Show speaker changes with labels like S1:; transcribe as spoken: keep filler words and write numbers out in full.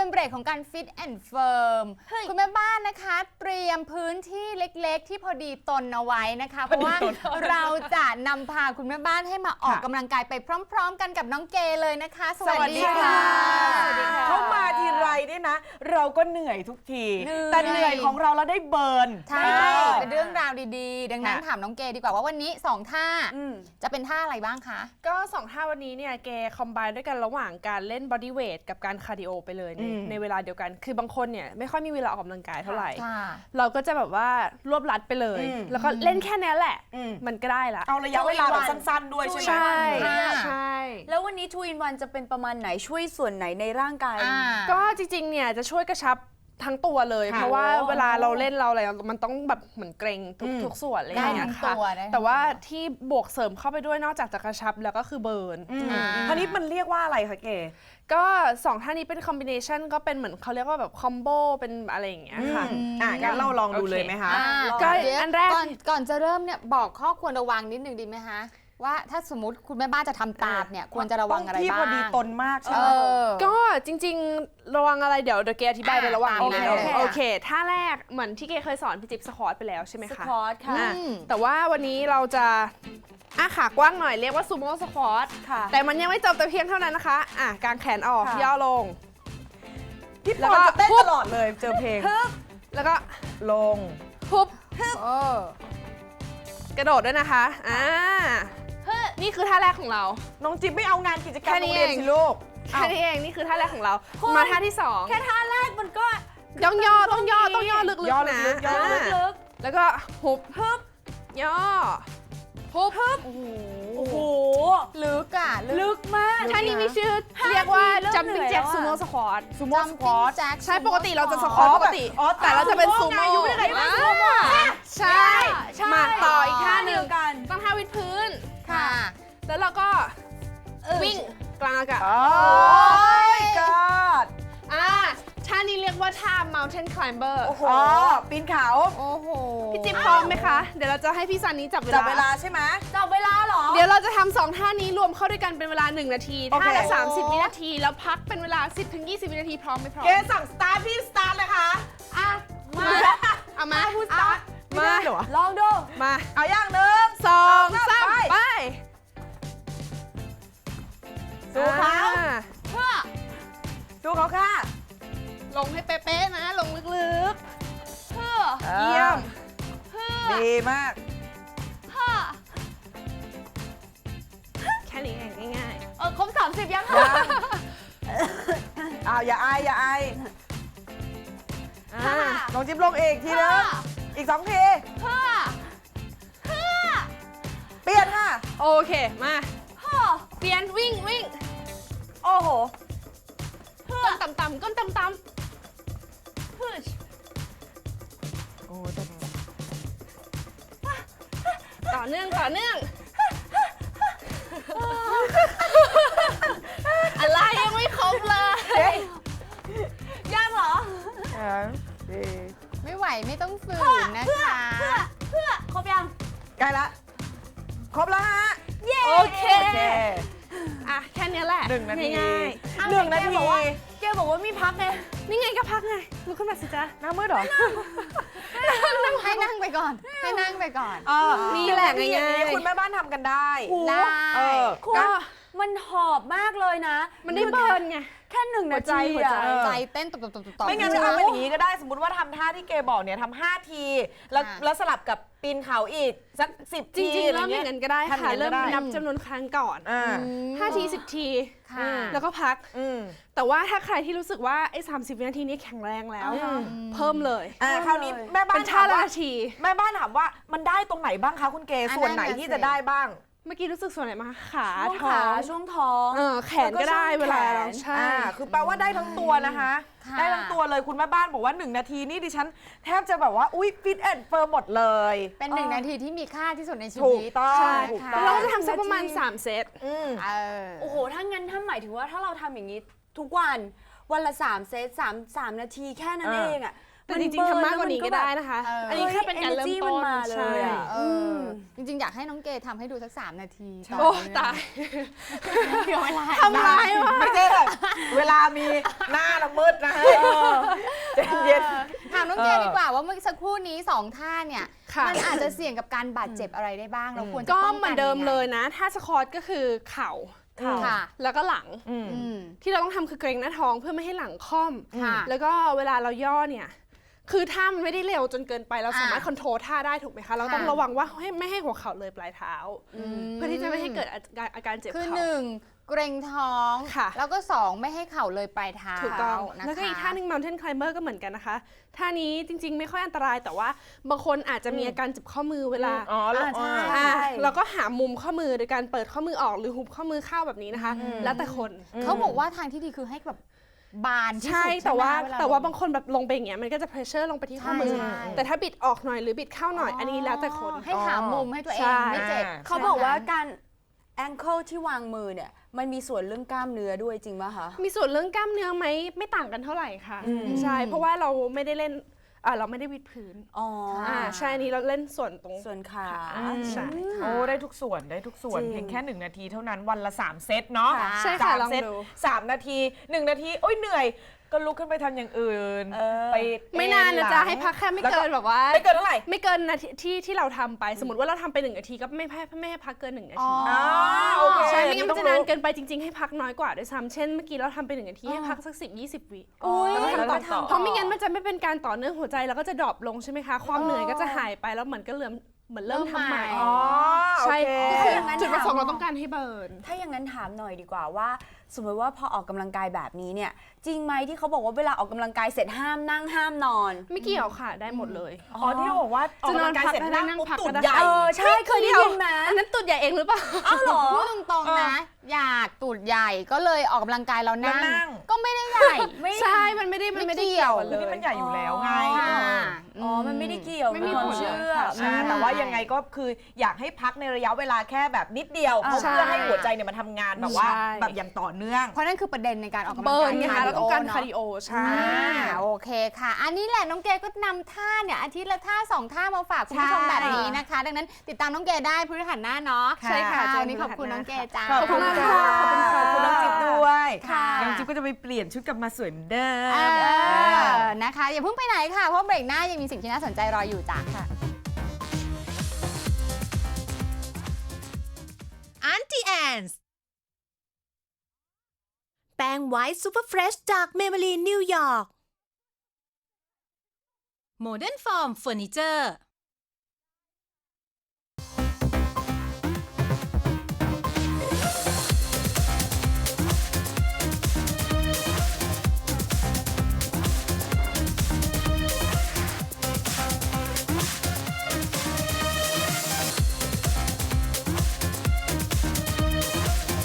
S1: เบรกของการฟิตแอนด์เฟิร์มคุณแม่บ้านนะคะเตรียมพื้นที่เล็กๆที่พอดีตนเอาไว้นะคะเพราะว่าเราจะนำพาคุณแม่บ้านให้มาออกกำลังกายไปพร้อมๆกันกับน้องเกเลยนะคะสวัสดีค่ะ
S2: เข้ามาทีไรเนี่ยนะเราก็เหนื่อยทุกทีแต่เหนื่อยของเราเราได้เบิร์น
S1: ใช่เป็นเรื่องราวดีๆดังนั้นถามน้องเกดีกว่าว่าวันนี้สองท่าจะเป็นท่าอะไรบ้างคะ
S3: ก็สองท่าวันนี้เนี่ยเกคอมไบน์ด้วยกันระหว่างการเล่นบอดี้เวทกับการคาร์ดิโอไปเลยในในเวลาเดียวกันคือบางคนเนี่ยไม่ค่อยมีเวลาออกกำลังกายเท่าไหร่เราก็จะแบบว่ารวบรัดไปเลยแล้วก็เล่นแค่นี้แหละมันก็ได้ละ
S2: เอาระยะเวลาแบบสั้นๆด้วยใช่ไหม
S3: ใช่ใช่
S4: แล้ววันนี้ทูอินวันจะเป็นประมาณไหนช่วยส่วนไหนในร่างกาย
S3: ก็จริงๆเนี่ยจะช่วยกระชับทั้งตัวเลยเพราะว่าเวลาเราเล่นเราอะไรมันต้องแบบเหมือนเกร็งทุกทุกส่วนอะไรอย่างเงี้ยค่ะแต่ว่าที่บวกเสริมเข้าไปด้วยนอกจากจะกระชับแล้วก็คือเบิร์น
S2: คราวนี้มันเรียกว่าอะไรคะเก๋
S3: ก็สองท่านี้เป็นคอมบิเนชันก็เป็นเหมือนเขาเรียกว่าแบบคอมโบเป็นอะไรอย่างเงี้ยค่ะ
S2: อ่ะงั้นเราลองดูเลยไหมคะ
S1: ก็อันแรกก่อนจะเริ่มเนี่ยบอกข้อควรระวังนิดนึงดีไหมคะว่าถ้าสมมติคุณแม่บ้านจะทำตามเนี่ยควรจะระวังอะไรบ้างที่
S2: พอดีตนมากใช่ไหม
S3: ก็จริงๆระวังอะไรเดี๋ยวเดี๋ยวเกอธิบายไประหว่างนี้นะโอเคท่าแรกเหมือนที่เกเคยสอนพี่จิ๊บสควอตไปแล้วใช่ไหมคะ
S4: สควอตค่ะ
S3: แต่ว่าวันนี้เราจะอ่ะขากว้างหน่อยเรียกว่าซูโม่สควอตแต่มันยังไม่จบแต่เพียงเท่านั้นนะคะอ่ะกางแขนออกย่อลง
S2: พี่ปอนจะเต้นตลอดเลยเจอเพลง
S3: แล้วก็
S2: ลง
S3: พุบกระโดดด้วยนะคะอ่านี่คือท่าแรกของเรา
S2: น้องจิ๊บไม่เอางานกิจกรรมโรงเรียนสิลูก
S3: แค่นี้เองนี่คือท่าแรกของเรามาท่าที่สอง
S4: แค่ท่าแรกมันก็
S3: ย่องย่อต้องย่อต้องย่อลึกๆนะ
S4: ย่อลึก
S3: ๆแล้วก็หุบ
S4: ฮึบ
S3: ย่อหุบ
S4: ฮึบโอ้โห
S1: ลึกอะ
S4: ลึกมาก
S3: ท่านี้มีชื่อเรียกว่า jumping jack sumo squat
S2: sumo squat
S3: ใช่ปกติเราจะสควอตปกติแต่เราจะเป็นซูโม่ใช่มาต่ออีกท่าหนึ่งต้องท่าวิดพื้น
S1: ค่ะ
S3: แล้วเราก็วิ่งกลางอากาศ
S2: โอ้ยกอด
S3: อ่าท่านี้เรียกว่าท่า mountain climber
S2: โอ้โหปีนเขา
S1: โอ้โห
S3: พี่จิ๊บพร้อมไหมคะเดี๋ยวเราจะให้พี่ซันนี้จับเวลา
S2: จับเวลาใช่ไหม
S4: จับเวลาเหรอ
S3: เดี๋ยวเราจะทำสองท่านี้รวมเข้าด้วยกันเป็นเวลาหนึ่งนาทีท่าละสามสิบวินาทีแล้วพักเป็นเวลาสิบถึงยี่สิบวินาทีพร้อมไหมพร้อม
S2: เกสั่งสตาร์ทพี่สตาร์ทเลยค่ะ
S3: อ่ะมาเอามา
S2: พูดสตาร์ท
S3: มา
S4: ลองดู
S3: มา
S2: เอาอย่างหนึ่ง
S3: สองสามไป
S2: สู้เขา
S3: เพื่อ
S2: สู้เขาค่ะ
S3: ลงให้เป๊ะๆนะลงลึกๆเพื่อ
S2: เยี่ยม
S3: เพื่อ
S2: ดีมาก
S3: เพื่อแค่นี้เองง่าย
S4: ๆเออครบสามสิบยังคะ
S2: อ้าวอย่าอายอย่าอายน้องจิ๊บลงอีกทีนึงอีกสองที
S3: เพื่อเพื่อ
S2: เปลี่ยนค่ะ
S3: โอเคมาเปลี่ยนวิ่งวิ่ง
S4: โอ้โห
S3: ก้นต่ำๆก้นต่ำๆพุช
S2: โอ้
S3: ต่อเนื่องต่อเนื่องอะไรยังไม่ครบเลย
S4: ยากเหรอ
S1: ไม่ไหวไม่ต้องฝืนนะคะ
S4: เพื่อเพื่อครบยัง
S2: ใกล้ละครบแล้วฮะ
S3: โอเคอ่ะแค่นี้แหละ
S2: หนึ่งนาที
S3: ง่าย
S2: หนึ่งนาที
S4: เกบอกว่ามีพักไง
S3: นี่ไงก็พักไงลุกขึ้นมาสิจ๊ะ
S2: น้ำมืดหรอ
S1: ให้นั่งไปก่อนให้นั่งไปก่อน
S3: นี่แหละง่าย
S2: ๆคุณแม่บ้านทำกันได้
S1: ได้
S4: ก็มันหอบมากเลยนะ
S3: มันได้เบิร์นไง
S4: แค่หนึ่งนาที
S1: ใจเต้นตุบๆๆๆ
S2: ไม่งั้นจะเอาเป็นอย่างนี้ก็ได้สมมติว่าทำท่าที่เกบอกเนี่ยทำห้าทีแล้วแล้วสลับกับปีนเขาอีกสักสิบที
S3: จริงๆเริ่มอย่างนั้นก็ได้ค่ะเริ่มนับจำนวนครั้งก่อนห้าทีสิบทีแล้วก็พักแต่ว่าถ้าใครที่รู้สึกว่าไอ้สามสิบวินาทีนี้แข็งแรงแล้วเพิ่มเลย
S2: คราวนี้แม่บ้านถามว่าแม่บ้านถามว่ามันได้ตรงไหนบ้างคะคุณเกส่วนไหนที่จะได้บ้าง
S3: เมื่อกี้รู้สึกส่วนไหนมาขา
S4: ท้องช่วงท้อง
S3: แขนก็ได้เวลาเราใช่
S2: คือแปลว่าได้ทั้งตัวนะคะได้ทั้งตัวเลยคุณแม่บ้านบอกว่าหนึ่งนาทีนี่ดิฉันแทบจะแบบว่าอุ้ยฟิตแอนด์เฟิร์มหมดเลย
S1: เป็นหนึ่งนาทีที่มีค่าที่สุดในชี
S2: วิตถูกต้อง
S3: เราจะทำสักประมาณสามเซต
S4: โอ้โหถ้างั้นถ้าหมายถึงว่าถ้าเราทำอย่างนี้ทุกวันวันละสามเซตสามสามนาทีแค่นั้นเองอ่ะ
S3: แต่จริงๆทำมากกว่านี้ก็ได้นะคะ
S1: เอออั
S3: อันนี้แค่เป็นการเริ่มต้น
S4: เฮ้ย energy มันมาเลย
S3: ใช่
S4: อะ
S1: เออจริงๆ อยากให้น้องเกทำให้ดูสักสามนาทีต่
S3: โอ้
S1: เนื่ง
S3: ตาย
S1: เดี๋ยวเวลา
S3: ทำร้ายว่ะ
S2: ไม่ใช่หรอกเวลามีหน้าละมืดนะใจเย็น
S1: เออถามน้องเก
S2: เออ
S1: ดีกว่าว่าเมื่อสักครู่นี้สองท่าเนี่ย
S3: ค่ะ
S1: มันอาจจะเสี่ยงกับการบาดเจ็บอะไรได้บ้างเราควรจะ
S3: ก็
S1: ป้อง
S3: เหมื
S1: กั
S3: อน นเดิม
S1: ยังไง
S3: เลยนะ ถ้าสควอตก็คือเข่า
S1: ค่ะ
S3: แล้วก็หลัง
S2: อืม
S1: อืม
S3: ที่เราต้องทำคือเกรงหน้าท้องเพื่อไม่ให้หลังค่อม
S1: ค่ะ
S3: แล้วก็เวลาเราย่อเนี่ย คือท่ามันไม่ได้เร็วจนเกินไป เราสามารถ
S1: อ่า
S3: คอนโทรลท่าได้ถูกไหมคะ เราต้อง
S1: ค่ะ
S3: ระวังว่าให้ไม่ให้หัวเข่าเลยปลายเท้า เพื่อที่จะไม่ให้เกิดอาการอาการเจ็บ
S1: คือ
S3: เข่า
S1: หนึ่งเกรงท้อง
S3: ค่ะ
S1: แล้วก็สองไม่ให้เข่าเลยปลายเท้า
S3: ถูกต้อง
S1: นะคะ
S3: แล้วก็อีกท่าหนึ่ง mountain climber ก็เหมือนกันนะคะ ท่านี้จริง ๆ ไม่ค่อยอันตราย แต่ว่าบางคนอาจจะมีอาการเจ็บข้อมือเวลา
S2: อ๋อแล้ว
S4: อ่าใช่
S3: อ่ะเราก็หามุมข้อมือโดยการเปิดข้อมือออกหรือหุบข้อมือเข้าแบบนี้นะคะ แล้วแต่คน
S1: เขาบอกว่าทางที่ดีคือให้แบบบานที่
S3: ใช่
S1: สุด
S3: แต่ว่า
S1: ใช่ไหม
S3: แต่ว่า
S1: ล
S3: บางคนแบบลงไปอย่างเงี้ยมันก็จะ pressure ลงไปที่ข้อมือ
S1: ใช่
S3: แต่ถ้าบิดออกหน่อยหรือบิดเข้าหน่อย อันนี้แล้วแต่คน
S1: ให้หามุมให้ตัวเอ
S3: ใช่
S1: งไม่เจ็บ
S4: เขาบอกว่าการ ankle ที่วางมือเนี่ยมันมีส่วนเรื่องกล้ามเนื้อด้วยจริงป่ะคะ
S3: มีส่วนเรื่องกล้ามเนื้อไหมไม่ต่างกันเท่าไหร่ค่ะ ใช่ เพราะว่าเราไม่ได้เล่นอ่าเราไม่ได้วิดพื้น
S4: อ๋อ
S3: อ่าใช่อันนี้เราเล่นส่วนตรง
S4: ส่วนขา
S3: ใช่
S2: โอ้ได้ทุกส่วนได้ทุกส่วน
S4: จริง
S2: เพียงแค่หนึ่งนาทีเท่านั้นวันละสามเซตเนาะ
S3: ใช่ค่ะ
S2: สาม
S3: ลอง
S2: เซต
S3: ดู
S2: สามนาทีหนึ่งนาทีโอ้ยเหนื่อย ก็ลุกขึ้นไปทำอย่างอื่น
S4: เออ
S2: ไป
S3: ไม่นานนะจ๊ะให้พักแค่ไม่เกินแบบว่า
S2: ไม่เกินเท่าไหร่
S3: ไม่เกินนาทีที่ที่เราทำไป สมมติว่าเราทำไปหนึ่งนาทีก็ไม่ให้ไม่ให้พักเกินหนึ่งนาที
S2: อ๋อโอเค
S3: ใช่ไม่งั้นมันจะ
S2: ต้องรู้
S3: นานเกินไปจริงๆให้พักน้อยกว่าด้วยซ้ำเช่นเมื่อกี้เราทำไปหนึ่งนาทีให้พักสักสิบยี่สิบวิ
S4: อุ้ย
S2: แล้วก็ทำต่อ
S3: เพราะไม่งั้นมันจะไม่เป็นการต่อเนื่องหัวใจแล้วก็จะดรอปลงใช่ไหมคะ ความเหนื่อยก็จะหายไปแล้วเหมือนก็เริ่มเหมือนเริ่มทำใหม่
S2: อ๋อ
S3: ใช่
S2: โอ
S3: ก็
S2: เค
S3: คือ
S4: อย่างนั้น
S3: จุดประสงค์
S4: ถาม
S3: เราต้องการให้เบิร์น
S4: ถ้าอย่างนั้นถามหน่อยดีกว่าว่า สมมติว่าพอออกกำลังกายแบบนี้เนี่ย จริงไหมที่เขาบอกว่าเวลาออกกำลังกายเสร็จห้ามนั่งห้ามนอน
S3: ไม่เกี่ยวค่ะได้หมดเลย
S2: อ๋อที่เขาบอกว่าออกกำลังกายเสร็จนั่งปุ๊บ
S3: จะนอนพัก
S2: ตูด
S3: ก็ได้
S2: ใหญ่
S4: เออใช่เคยได้ยินไหม
S3: อันนั้นตุดใหญ่เองหรือเปล่า
S4: อ้าวเหรอ
S1: พูดตรงๆนะ อยากตูดใหญ่ก็เลยออกกำลังกายแล้วนั่
S2: แล้วนั่
S1: ง
S2: ง
S1: ก็ไม่ได้ใหญ่
S4: ไม่
S3: ใช่ มันไม่ได้มันไม่ได้
S1: ไม่เกี่
S3: เกี่
S1: ย
S3: ยว วเล
S2: นี่
S3: ย
S2: มันใหญ่อยู่แล้วไง
S1: ค่ะ
S4: อ๋อ มันไม่ได้เกี่ยว
S3: ไม่มี
S4: เป็นความ
S3: ผล
S4: เชื่อ
S3: ค่ะ
S2: ใช่แต่ว่ายังไงก็คืออยากให้พักในระยะเวลาแค่แบบนิดเดียว
S4: อ่า
S2: เพื่อให้หัวใจเนี่ยมันทำงานแบบว่า
S3: ใช่
S2: แบบอย่างต่อเนื่อง
S1: เพราะนั่นคือประเด็นในการออกกำลัง
S3: เบิ
S1: กา
S3: ร์
S1: ย
S3: นไงคะเราต้องการคาร์ดิ
S1: โอ
S3: โอใช่
S1: อ่าโอเคค่ะ อันนี้แหละน้องเกก็นำท่าเนี่ยอาทิตย์ละท่าสองท่ามาฝากคุณผู้ชม
S2: ใช่
S1: แบบนี้นะคะ ดังนั้นติดตามน้องเกได้พฤหัสหน้าเนาะ
S3: ใช่ค่ะ
S1: วันนี้ขอบคุณน้องเกจ้า
S2: ขอบคุณค่ะ
S3: ขอบคุณค่ะ
S2: ขอบคุณน้องจิ๊บด้วย
S1: ค่ะ
S2: น้องจิ๊บก็จะไปเปลี่ยนชุดกลับมาสวยเหมือนเดิม
S1: เออนะคะอย่าเพิ่งไปไหนค่ะ เพราะเบรกหน้ายังมีสิ่งที่น่าสนใจรออยู่จ้าค่ะ
S5: Auntie Anne's แป้งไวท์ซูเปอร์เฟรชจากเมเบลีนนิวยอร์ก Modern Form Furniture